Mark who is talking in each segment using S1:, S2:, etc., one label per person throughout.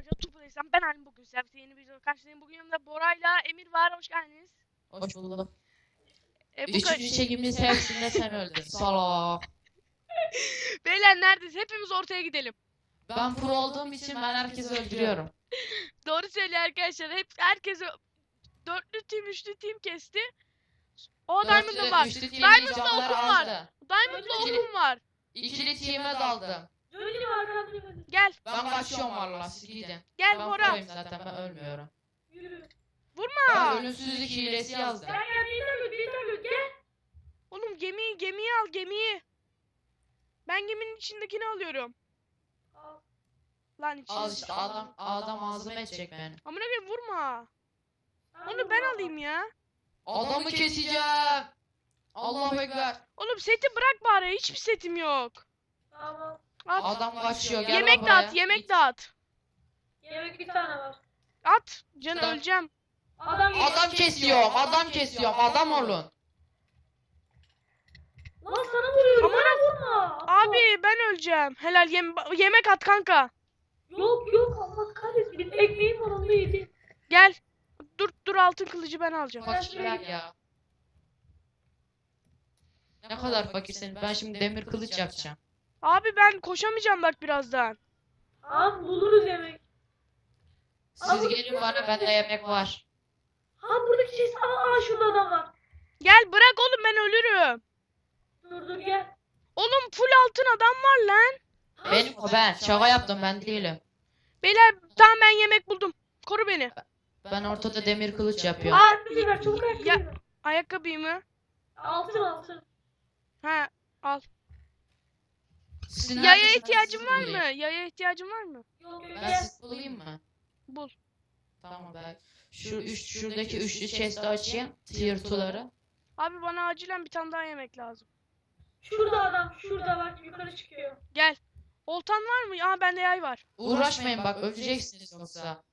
S1: Hoca Tupu'daysam ben Halim, bugün size yeni bir video karşılayayım. Bugün yanımda Bora'yla Emir var. Hoş geldiniz.
S2: Hoş buldum.
S1: Bu
S2: Üçüncü çekimimiz hepsinde sen öldün. Salak.
S1: Beyler neredeyiz? Hepimiz ortaya gidelim.
S2: Ben pro olduğum için ben herkesi öldürüyorum.
S1: Doğru söylüyor arkadaşlar. Herkes dörtlü team, üçlü team kesti. O Diamond'da var.
S2: Üçlü team'in
S1: Diamond'da
S2: canları
S1: okum var.
S2: azdı.
S1: Diamond'da okum var.
S2: İkili team'e daldım.
S1: Gel.
S2: Ben kaçıyorum valla, siz gidin.
S1: Gel
S2: Ben
S1: Bora.
S2: proyum zaten, ben ölmüyorum.
S1: Vurma.
S2: Ben ölümsüzlük hilesi yazdım.
S1: Oğlum gemiyi al, gemiyi. Ben geminin içindekini alıyorum. Lan içinde.
S2: Al işte, adam ağzıma edecek beni.
S1: Amına koyayım, vurma. Onu ben alayım ya.
S2: Adamı keseceğim. Allahu Ekber.
S1: Oğlum seti bırak bari. Hiçbir setim yok.
S3: Tamam.
S1: At.
S2: Adam kaçıyor, gel
S1: Yemek
S2: buraya.
S1: dağıt, yemek dağıt.
S3: Yemek bir tane var.
S1: At. Can
S2: Adam-
S1: öleceğim.
S2: Adam kesiyorum, adam olun.
S3: Lan sana vuruyorum.
S1: Aman
S3: Bana vurma.
S1: Abi ben öleceğim. Helal yemek at kanka.
S3: Yok Allah kahretsin. Bir ekmeğim var, onu da yedim.
S1: Gel. Dur altın kılıcı ben alacağım.
S2: Fakirler ya. Ne kadar fakirsin. Ben şimdi demir kılıç yapacağım.
S1: Abi ben koşamayacağım bak birazdan.
S3: Tamam buluruz yemek.
S2: Siz gelin bana, bende yemek var.
S3: Ha buradaki şey. Şurada adam var.
S1: Gel bırak oğlum, ben ölürüm.
S3: Dur gel.
S1: Oğlum full altın adam var lan.
S2: Benim o, ben. Şaka yaptım, ben değilim.
S1: Beyler tamam, ben yemek buldum. Koru beni.
S2: Ben ortada demir kılıç yapıyorum.
S3: Ayakkabı ver, çabuk ayakkabı
S1: Ya-
S3: ver.
S1: Ayakkabıyı mı?
S3: Altın.
S1: Ha, al.
S2: Sizin
S1: Yaya
S2: neredesiniz?
S1: ihtiyacın
S2: Sizi
S1: var mı?
S2: bulayım.
S1: Yaya ihtiyacın var mı?
S3: Yok
S2: Ben
S3: gel.
S2: sizi bulayım mı?
S1: Bul.
S2: Tamam ben. Şuradaki üçlü chest'i açayım. Tier 2'ları.
S1: Abi bana acilen bir tane daha yemek lazım.
S3: Şurada adam. Şurada bak, yukarı çıkıyor.
S1: Gel. Oltan var mı? Aa bende yay var.
S2: Uğraşmayın bak, öleceksiniz yoksa.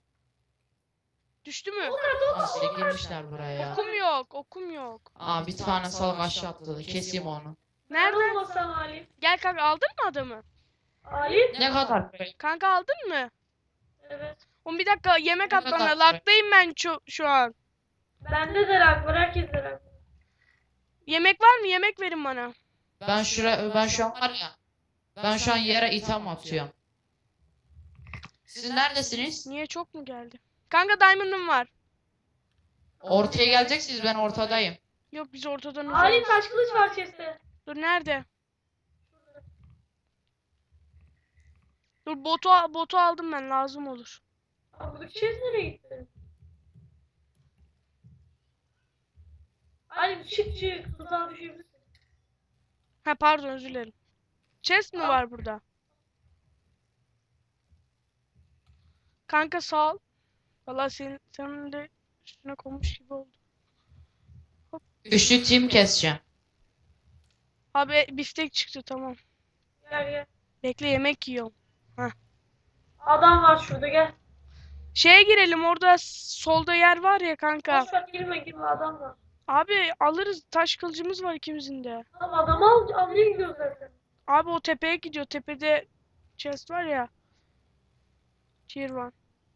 S1: Düştü mü?
S2: Nasıl girmişler buraya.
S1: Okum yok.
S2: Aa, bir tane salak aşağı atladı. Keseyim onu.
S1: Nerede?
S3: Olmasam Ali.
S1: Gel kanka, aldın mı adamı?
S3: Ali?
S2: Ne kadar?
S1: Kanka aldın mı?
S3: Evet.
S1: Oğlum bir dakika, yemek
S2: Ne
S1: at bana.
S2: kadar?
S1: Laktayım ben şu an.
S3: Bende de rak var. Herkes de rak var.
S1: Yemek var mı? Yemek verin bana.
S2: Ben şu an var ya. Ben şu an yere itham atıyorum. Siz neredesiniz?
S1: Niye, çok mu geldi? Kanka diamond'ım var.
S2: Ortaya geleceksiniz, ben ortadayım.
S1: Yok, biz ortadan
S3: Ali
S1: uzağız.
S3: taş kılıç var chest'te.
S1: Dur nerede? Dur botu aldım ben, lazım olur.
S3: Abi buradaki chest nereye gitti? Ali çık. Tuzağa düşebilirsin.
S1: Ha pardon, özür dilerim. Chest mi var burada? Kanka sağ ol. Valla senin de üstüne konmuş gibi oldu.
S2: Üçlü team keseceğim.
S1: Abi biftek çıktı, tamam.
S3: Gel.
S1: Bekle, yemek yiyorum.
S3: Adam var şurada, gel.
S1: Şeye girelim, orada solda yer var ya kanka.
S3: Boş ver, girme adam var.
S1: Abi alırız, taş kılıcımız var ikimizin de.
S3: Tamam adamı almaya gidiyoruz zaten.
S1: Abi o tepeye gidiyor, tepede chest var ya. Tier 1.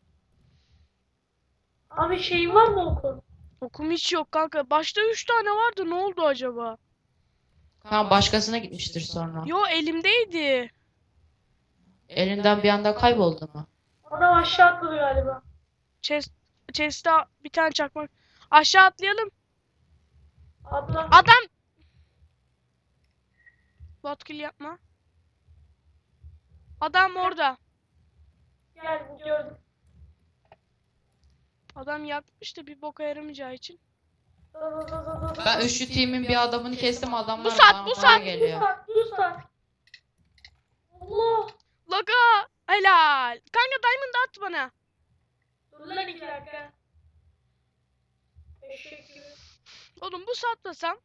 S3: Abi şeyin var mı okul?
S1: Okum hiç yok kanka. Başta 3 tane vardı, ne oldu acaba?
S2: Ha, başkasına gitmiştir sonra.
S1: Yo, elimdeydi.
S2: Elinden bir anda kayboldu mu?
S3: Adam aşağı atladı galiba.
S1: Chest'te bir tane çakmak. Aşağı atlayalım.
S3: Atla.
S1: Adam! Botkill yapma. Adam orada.
S3: Gel gördüm.
S1: Adam yakmış da bir boka yaramayacağı için.
S2: Ben üçlü team'in bir adamını kestim, adamlar
S1: Bu saat, bu
S2: bana
S1: saat.
S2: geliyor.
S3: Dur. Allah.
S1: Logo! Helal. Kanka diamond at bana.
S3: Dur lan 2 dakika. Eşek gibi.
S1: Oğlum bu satlasam.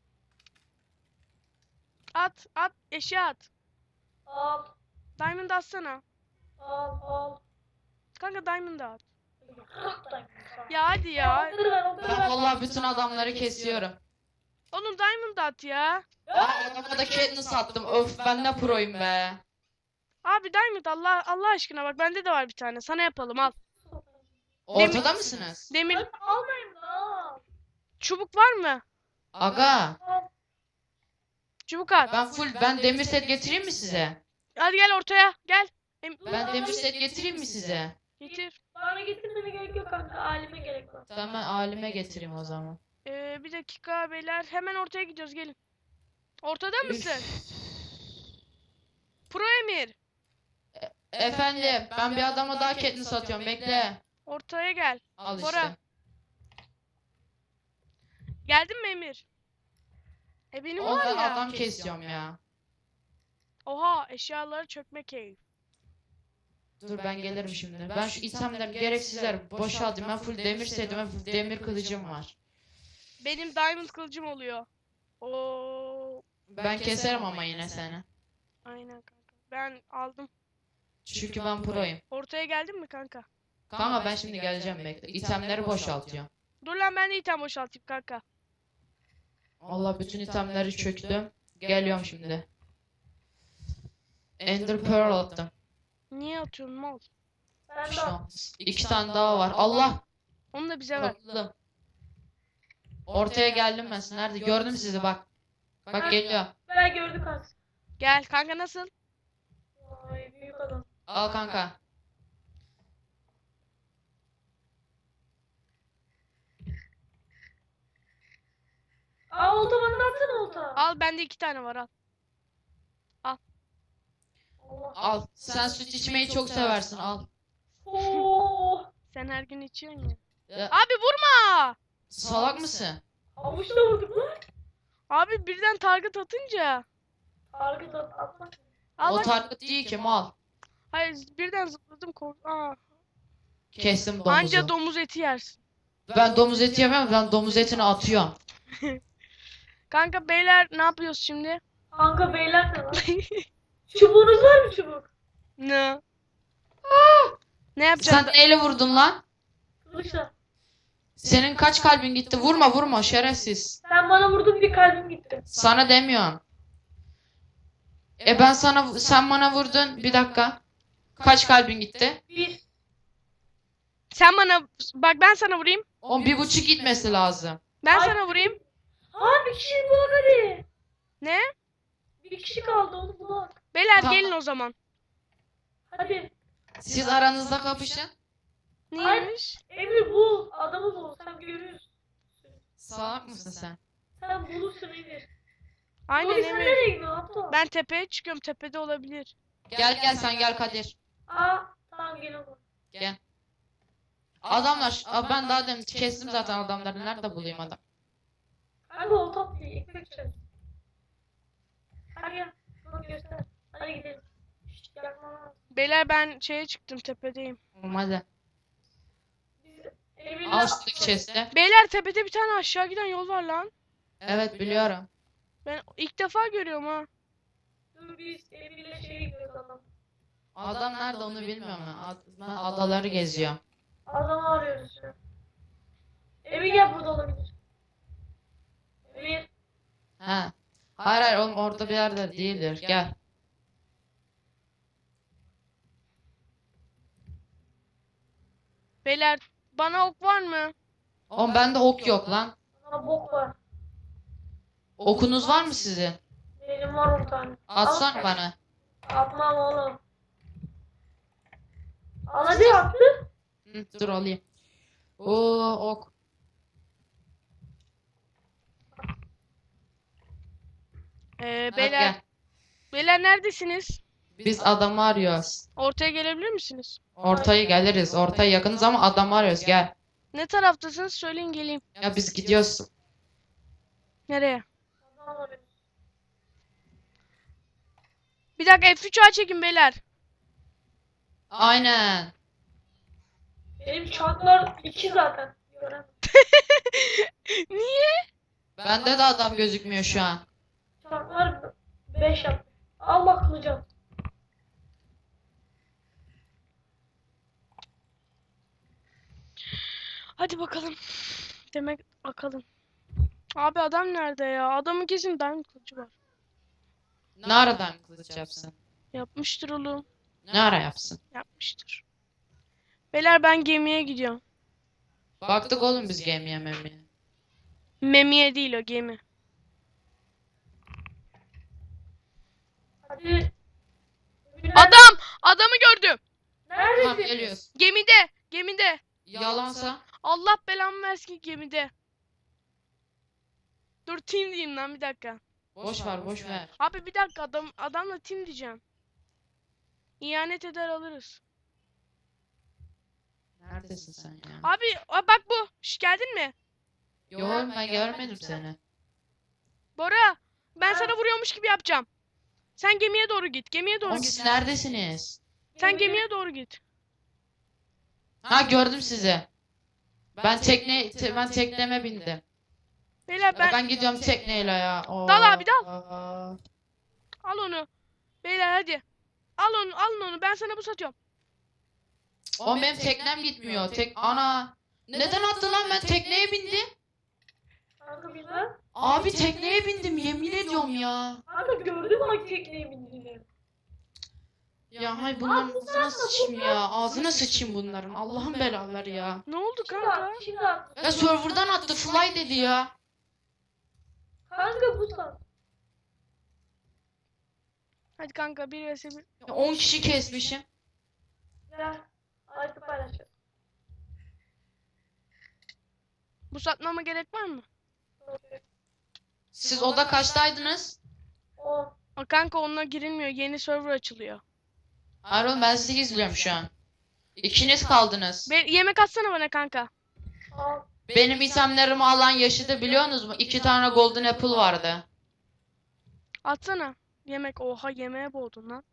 S1: At eşya at.
S3: Al.
S1: Diamond atsana.
S3: Al.
S1: Kanka diamond at.
S3: Rahatlayın.
S1: Ya hadi ya.
S2: Ben vallahi bütün adamları kesiyorum.
S1: Oğlum diamond at ya.
S2: Aa, adama da Katniss sattım. Öf, ben ne proyum be.
S1: Abi Diamond Allah aşkına bak bende de var bir tane. Sana yapalım al.
S2: Ortada mısınız?
S1: Demir
S3: Hadi almayayım da.
S1: çubuk var mı?
S2: Aga.
S1: Çubuk at.
S2: Ben demir set getireyim mi size?
S1: Hadi gel ortaya gel.
S2: Ben demir set getireyim mi size?
S1: Getir.
S3: Bana getirmene gerek yok kanka. Alime gerek var.
S2: Tamam ben alime getireyim o zaman.
S1: Bir dakika beyler. Hemen ortaya gidiyoruz gelin. Ortada mısın? Pro Emir.
S2: Efendim ben bir adama daha Katniss satıyorum bekle.
S1: Ortaya gel.
S2: Al
S1: Bora.
S2: işte.
S1: Geldin mi Emir? Benim
S2: Oğlum
S1: var
S2: ben
S1: ya.
S2: adam kesiyorum ya.
S1: Oha eşyaları çökme keyif.
S2: Dur ben gelirim şimdi. Ben şu itemler gereksizler boşaltayım. Ben full demir setim ve full demir kılıcım var.
S1: Benim diamond kılıcım oluyor. Oo,
S2: Ben keserim ama yine seni.
S1: aynen kanka. Ben aldım.
S2: Çünkü ben proyum.
S1: Ortaya geldin mi kanka?
S2: Kanka ben şimdi geleceğim bekle. İtemleri boşaltıyorum.
S1: Dur lan ben de item boşaltayım kanka.
S2: Allah bütün itemleri çöktüm. Geliyorum şimdi. Ender Pearl attım.
S1: Niye atıyorsun mal?
S3: Ben de
S2: Şu an 2 tane daha var. Allah!
S1: Onu da bize ver.
S2: Korktum. Ortaya geldim ben. Siz nerede? Gördüm sizi bak. Bak geliyor.
S3: ben gördük kanka.
S1: Gel kanka nasıl?
S3: Vay büyük adam.
S2: Al kanka.
S3: Aa olta bana da atsana olta.
S1: Al bende 2 tane var al.
S3: Allah.
S2: Al. Sen süt içmeyi çok seversin. Al.
S3: Oo.
S1: Sen her gün içiyorsun ya.
S2: Ya,
S1: Abi vurma!
S2: salak mısın?
S3: Avuçla vurduk lan.
S1: Abi birden target atınca.
S3: Target atmak.
S1: Al
S2: O
S1: bak.
S2: target değil ki mal.
S1: Hayır birden zıpladım Aa.
S2: Kestim domuzu.
S1: Anca domuz eti yersin.
S2: Ben domuz eti yemem. Ben domuz etini atıyorum.
S1: Kanka beyler ne yapıyoruz şimdi?
S3: Kanka beyler ne lan? Çubuğunuz var mı çubuk?
S1: Ne? Ne yapacağız?
S2: Sen neyle vurdun lan?
S3: Kılıçla.
S2: Senin kaç kalbin gitti? Vurma vurma şerefsiz.
S3: Sen bana vurdun bir kalbim gitti.
S2: Sana demiyorum. Sen bana vurdun. Bir dakika. Kaç kalbin gitti?
S3: Bir.
S1: Sen bana bak ben sana vurayım.
S2: 1,5 gitmesi lazım.
S1: Ben
S3: Ay.
S1: sana vurayım.
S3: Ha bir kişi bulak hadi.
S1: Ne?
S3: Bir kişi kaldı onu bulak.
S1: Beyler
S2: Tamam.
S1: gelin o zaman.
S3: Hadi.
S2: Siz aranızda kapışın.
S1: Neymiş?
S3: Emir bul. Adamı bul. Sen görürsün.
S2: Salak mısın sen?
S3: Sen bulursun Emir.
S1: Aynen
S3: Nuri sen
S1: Emir.
S3: nereye gidiyorsun aptal?
S1: Ben tepeye çıkıyorum. Tepede olabilir.
S2: Gel sen gel Kadir.
S3: Aa tamam gel oğlum.
S2: Gel. Adamlar. Ben daha demin kestim zaten adamları. Nerede bulayım adam?
S3: Kanka o top değil. Ekmek çarşı. Hadi gel. Bak göster. Hadi gidelim. Şşt yakma.
S1: Beyler ben şeye çıktım tepedeyim.
S2: Hadi.
S3: Biz Emir'le...
S2: Al şuradaki chest'i.
S1: Beyler tepede bir tane aşağı giden yol var lan.
S2: Evet biliyorum.
S1: Ben ilk defa görüyorum ha.
S3: Dur biz Emir'le şeye gidiyoruz adam.
S2: Adam nerede onu bilmiyorum ben. Ben adaları geziyorum.
S3: Adamı arıyoruz şu an. Emir gel burada olabilir. Emir.
S2: He. Hayır oğlum orada bir yerde değildir. Gel.
S1: Beyler bana ok var mı?
S2: Oğlum bende ok yok lan.
S3: Bana bok var.
S2: Okunuz var mı sizin?
S3: Benim var 10 tane.
S2: Atsan bana.
S3: Atmam oğlum. Al hadi attı.
S2: Hı, dur alayım. Oo ok. Hadi
S1: Beyler
S2: gel.
S1: beyler neredesiniz?
S2: Biz adamı arıyoruz.
S1: Ortaya gelebilir misiniz?
S2: Ortaya geliriz. Ortaya yakınız ama adamı arıyoruz. Gel.
S1: Ne taraftasınız? Söyleyin geleyim.
S2: Ya biz gidiyoruz.
S1: Nereye?
S3: Adam arıyoruz.
S1: Bir dakika F3'e çekin beyler.
S2: Aynen.
S3: Benim çarklar 2 zaten. Gören.
S1: Niye?
S2: Bende de adam gözükmüyor şu an.
S3: Çarklar 5 yap. Al bak kılıcım.
S1: Hadi bakalım. Demek bakalım. Abi adam nerede ya? Adamın kesin diamond kılıcı var.
S2: Ne aradan kılıç yapsın?
S1: Yapmıştır oğlum.
S2: Ne ara yapsın?
S1: Yapmıştır. Beyler ben gemiye gidiyorum.
S2: Baktık oğlum biz gemiye memiye.
S1: Memiye değil o gemi.
S3: Hadi.
S1: Adamı gördüm.
S2: Tamam
S3: Neredesin?
S2: geliyoruz.
S1: Gemide.
S2: Yalansa
S1: Allah belamı versin ki gemide. Dur team diyeyim lan bir dakika.
S2: boş ver boş ver.
S1: Abi bir dakika adamla team diyeceğim. İhanet eder alırız.
S2: Neredesin sen ya?
S1: Abi bak bu. Şş, geldin mi?
S2: Yo oğlum ben görmedim seni.
S1: Bora ben sana vuruyormuş gibi yapacağım. Sen gemiye doğru git. Gemiye doğru
S2: Oğlum
S1: git.
S2: siz neredesiniz?
S1: Sen gemiye doğru git.
S2: Ha gördüm sizi. Ben tekneme bindim.
S1: Beyler
S2: Ben gidiyorum tekneyle ya. Oo.
S1: Dal abi, dal.
S2: Aa.
S1: al onu. Beyler hadi. Alın onu. Ben sana bu satıyorum.
S2: Oğlum benim teknem gitmiyor. Ana. Neden attı lan, ben tekneye bindim.
S3: Kanka güzel.
S2: Abi tekneye bindim yemin ediyorum ya.
S3: Kanka gördüm bak tekneye bindiğini.
S2: Ya hay bunların ağzına sıçayım ya. Ağzına sıçayım bunların. Allah'ın belaları ya.
S1: Ne oldu
S3: Şimdi
S1: kanka?
S3: at, şimdi at.
S2: Ya serverdan attı, fly dedi ya.
S3: Kanka bu sat.
S1: Hadi kanka 1 vs 1.
S2: Ya 10 kişi kesmişim.
S3: Gel. Artık paylaşacağız.
S1: Bu satmama gerek var mı?
S2: Siz oda kaçtaydınız?
S3: O.
S1: Kanka onunla girilmiyor. Yeni server açılıyor.
S2: Hayır oğlum ben sizi izliyorum şu an. İkiniz kaldınız.
S1: Yemek atsana bana kanka.
S3: Al.
S2: Benim itemlerimi alan yaşadı biliyorsunuz mu? 2 tane golden apple vardı.
S1: Atsana. Yemek. Oha yemeğe boğdun lan.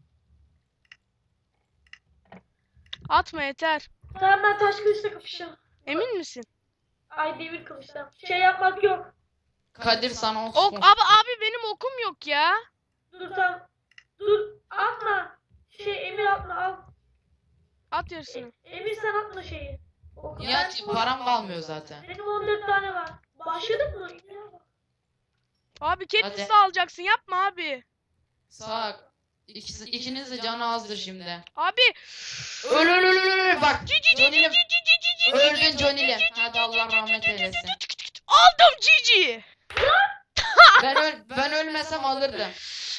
S1: Atma yeter.
S3: Tamam ben taş kılıçla kapışacağım.
S1: Emin misin?
S3: Ay demir kılıçla. Şey yapmak yok.
S2: Kadir sana
S1: Ok abi benim okum yok ya.
S3: Dur tamam. Dur atma. Emir atma al.
S1: At yarısını.
S3: Emir sen atma şeyi. O-
S2: Ya
S3: ben-
S2: param kalmıyor zaten.
S3: Benim 14 tane var. Başladık mı?
S1: Abi
S2: Hadi.
S1: kendisi alacaksın. Yapma abi.
S2: Sağ. İkiniz de canı azdır şimdi.
S1: Abi.
S2: Öl. Bak. Johnny'lim. Öldün Johnny'lim. Hadi Allah rahmet eylesin.
S1: Aldım Cici.
S2: Ben ölmesem alırdım.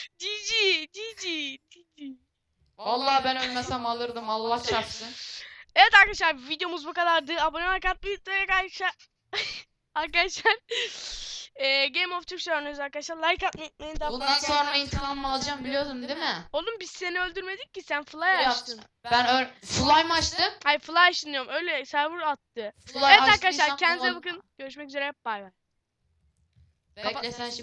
S1: Cici.
S2: Vallahi ben ölmesem alırdım. Allah çarpsın.
S1: Evet arkadaşlar videomuz bu kadardı. Abone olmayı unutmayın arkadaşlar. Arkadaşlar Game of Thrones oynuyoruz arkadaşlar. Like atmayı unutmayın. Daha
S2: Bundan sonra intikamımı alacağım biliyordun değil mi?
S1: Oğlum biz seni öldürmedik ki sen fly
S2: Ya,
S1: açtın.
S2: Fly mı açtım?
S1: Hayır fly açtın diyorum. Öyle server attı.
S2: Fly
S1: Evet
S2: açtıysam
S1: arkadaşlar kendinize
S2: ulan-
S1: bakın. Görüşmek üzere. Bay bay.
S2: Bekle sen şimdi.